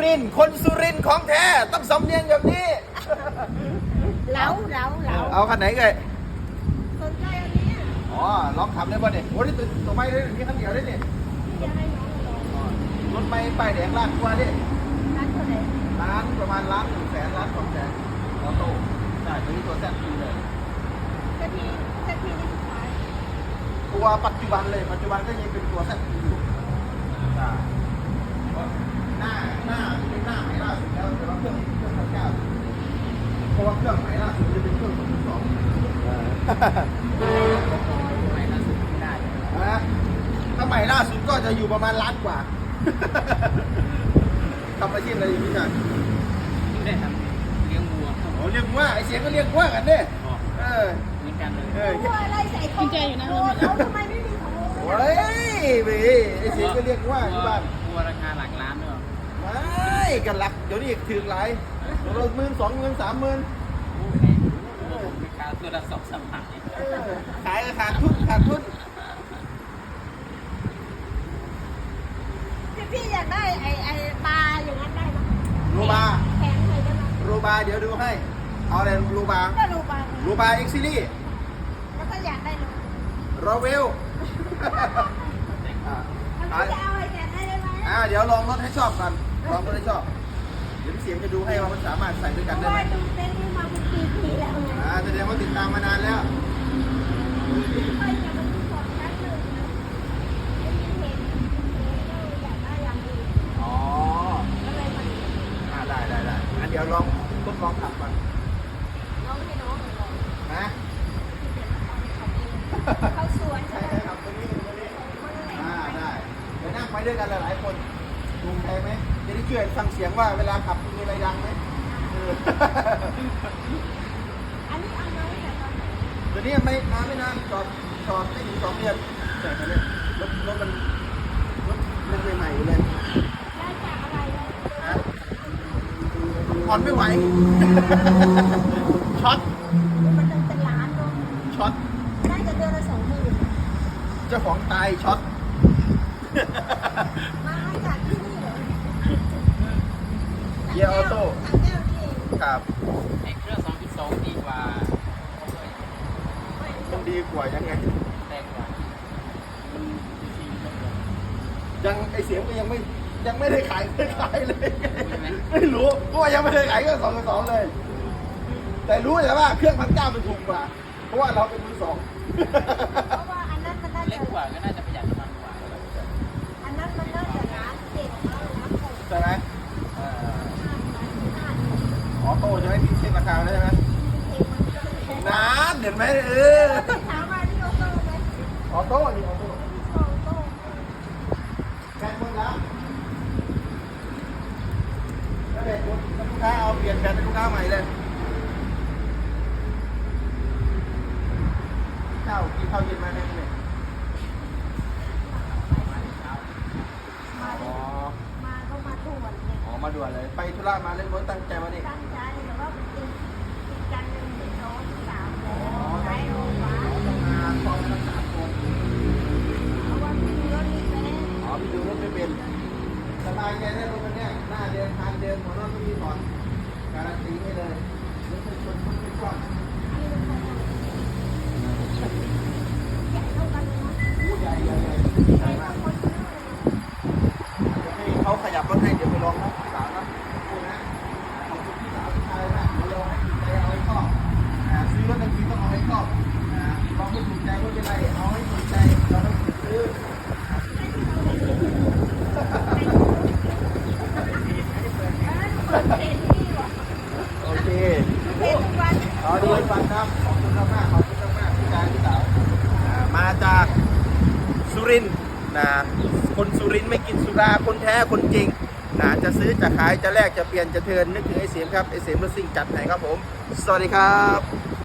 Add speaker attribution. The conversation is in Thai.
Speaker 1: รินทร์คนสุรินทร์ของแท้ต้องสำเนียงแบบนี้
Speaker 2: เหลา
Speaker 1: เอาคันไหนเอ่ย
Speaker 2: สนใจอันนี้
Speaker 1: อ๋อลองขับได้ป่ะเนี่ยโอ้ยตัวไม่ได้มีคันเดียวได้เนี่ย
Speaker 2: จะให้น้องลอง
Speaker 1: รถไม่ป้ายแดงล้านกว่าดิ
Speaker 2: ร้านเท่าไหร่
Speaker 1: ล้านประมาณล้าน100,000ล้าน200,000ออโต้ใช่ตัวนี้ตัวแซ่บดีเลย
Speaker 2: สักทีนี่สุดท้าย
Speaker 1: ตัวปัจจุบันเลยปัจจุบันก็ยังเป็นตัวแซ่บดีอยู่ใช่หน้าเป็นหน้าใหม่ล่าสุดแล้วแต่ว่าเครื่องพันเก้าเพราะว่าเครื่องใหม่ล่าสุดจะเป็นเครื่อง2.2
Speaker 3: ใหม่ล่าสุดไม่ได้เลย
Speaker 1: นะถ้าใหม่ล่าสุดก็จะอยู่ประมาณล้านกว่า ทำอาชีพอะไรอยู่พี่ชาย
Speaker 3: ไม่ได้ทำเลี้ยงวัว
Speaker 1: โอ้เรียกว่าไอเสียงก็เรียกว่ากันเนี่ยเออ
Speaker 3: เหมือนกันเลย
Speaker 2: ตัวอะไรใส่ของโดนเขาทำไมไม่มีของโ
Speaker 1: โ
Speaker 2: อ
Speaker 1: อ้ยเว้ยไอเสียงก็เรียกว่าที่บ้าน
Speaker 3: วัวราคาหลักล้านด้วย
Speaker 1: ไม่กันหลักเดี๋ยวนี้ถือหลายเรา12,000 30,000
Speaker 3: โอ้แพงวัวผมราคาตัวละ2-3 พัน
Speaker 1: ขายขาดทุน
Speaker 2: พี่อยากได้ไอ้ปลาอย่างนั้นได้ไหม
Speaker 1: รูบา
Speaker 2: แพงเลยได้ไหม
Speaker 1: รูบาเดี๋ยวดูให้เอาอะไรรูบา
Speaker 2: ก็รูปลา
Speaker 1: รูบาเอ็กซิลี่
Speaker 2: แล้วก็อยากได้เลย
Speaker 1: รอเวล
Speaker 2: มันจะเอาไอ้แกได้ไหม
Speaker 1: เดี๋ยวลองรถให้ชอบกันลองรถให้ชอบเดี๋ยวพี่เสียงจะดูให้ว่ามันสามารถใส่ด้วยกันได้ไหม
Speaker 2: ว่าดูเต้นนี่มาเป็นปีแล้วไง
Speaker 1: แสดงว่าติดตามมานานแล้ว
Speaker 2: ไม่อยากมาดูของชั้นหนึ่งนะไม่มีเห็นอยากได้อย่างอื่น
Speaker 1: อ๋อ
Speaker 2: ก็เลยมา
Speaker 1: ได้งั้นเดี๋ยวลองทดลองขับก่อน
Speaker 2: น้องให้น้องลอง
Speaker 1: นะ
Speaker 2: เขาสวน
Speaker 1: ใช่
Speaker 2: ใช่ไหม
Speaker 1: ครับตัวนี้ได้เดี๋ยวนั่งไปด้วยกันหลายๆคนดูใครไหมจะได้ช่วยฟังเสียงว่าเวลาขับมีอะไรดังไหม
Speaker 2: อันนี้เอามาตั้งแต่ตอนไหน
Speaker 1: ตัวนี้ไม่นานจอดไม่ถึง2 เดือนแต่ตอนนี้รถมันใหม่ๆอยู่เลย
Speaker 2: ได้จากอะไรเลย
Speaker 1: ฮะผ่อนไม่ไหว ช็อต
Speaker 2: มันเป็นล้านเนาะ
Speaker 1: ช็อต
Speaker 2: ได้แต่เดือนละ20,000
Speaker 1: เจ้าของตายช็อต
Speaker 2: มาให้จากที่นี่เหรอ
Speaker 1: เกียร์ออโต้
Speaker 2: ทางแก้วนี่เอง
Speaker 1: ครับ
Speaker 3: ไอ้เครื่อง 2.2 ดีกว่า
Speaker 1: มันดีกว่ายังไง
Speaker 3: แรงกว่ามันจริงๆแบบ
Speaker 1: ยังไอเสียงก็ยังไม่ได้ขายเลย ไม่รู้เพราะว่ายังไม่ได้ขายเครื่อง2.2เลย แต่รู้แต่ว่าเครื่อง1,900มันถูกกว่า เพราะว่าเราเป็นมือสอง
Speaker 2: เพราะว่าอันนั้นมันน่า
Speaker 3: เล็
Speaker 2: จะ
Speaker 3: กกว่าก็น่าจะประหยัดน้ำมันกว่า
Speaker 2: อันนั้นมันน่าจะล้านเจ็ดล้านหก
Speaker 1: ใช่ไหม
Speaker 2: ห้า
Speaker 1: ออโต้จะไม่มีเช็คราคาแล้วใช่ไหมนานเห็นไหม
Speaker 2: ถามมาที่โอโต้ไหม
Speaker 1: ออโต้นี่ออโต้
Speaker 2: โอโต้
Speaker 1: แบตหมดแล้วแล้วเด็กลูกค้าเอาเปลี่ยนแบตให้ลูกค้าใหม่เลยกินข้าวเย็นมาแน่เลย
Speaker 2: มาก็มาด่วนเนี่ย
Speaker 1: อ๋อมาด่วนเลยไปธุระมาเล่นรถตั้งใจมาดิ
Speaker 2: ตั้งใจแต่ว่าอีกกันหนึ่งเป็นน้องสาวแล้วใช้โรงพยาบาล
Speaker 1: ทำงานพร้อมกัน3 คน
Speaker 2: เพราะว่าพี่รถนี่ไปได้
Speaker 1: อ๋อไปดูรถไม่เป็นสบายใจได้รถคันนี้หน้าเดินทางเดินหัวนอนไม่มีถอนการันตีให้เลยรถเป็นคนไม่กว้าง
Speaker 2: ที่เป็นคนใหญ่เท่ากันเลยนะ
Speaker 1: ใหญ่มากให้เขาขยับรถให้เดี๋ยวไปลองนะพี่สาวนะพูดนะขอบคุณพี่สาวพี่ชายมากเดี๋ยวลองให้ถูกใจเอาให้ชอบซื้อรถจริงๆต้องเอาให้ชอบลองไม่ถูกใจไม่เป็นไรเอาให้ถูกใจเราต้องซื้อโอเค
Speaker 2: เป็นทุกวัน
Speaker 1: เอาดีฟังครับขอบคุณมากพี่ชายพี่สาวมาจากสุรินทร์นะคนสุรินทร์ไม่กินสุราคนแท้คนจริงนะจะซื้อจะขายจะแลกจะเปลี่ยนจะเทิร์นนึกถึงไอเสียมครับไอเสียมรถซิ่งจัดให้ครับผมสวัสดีครับ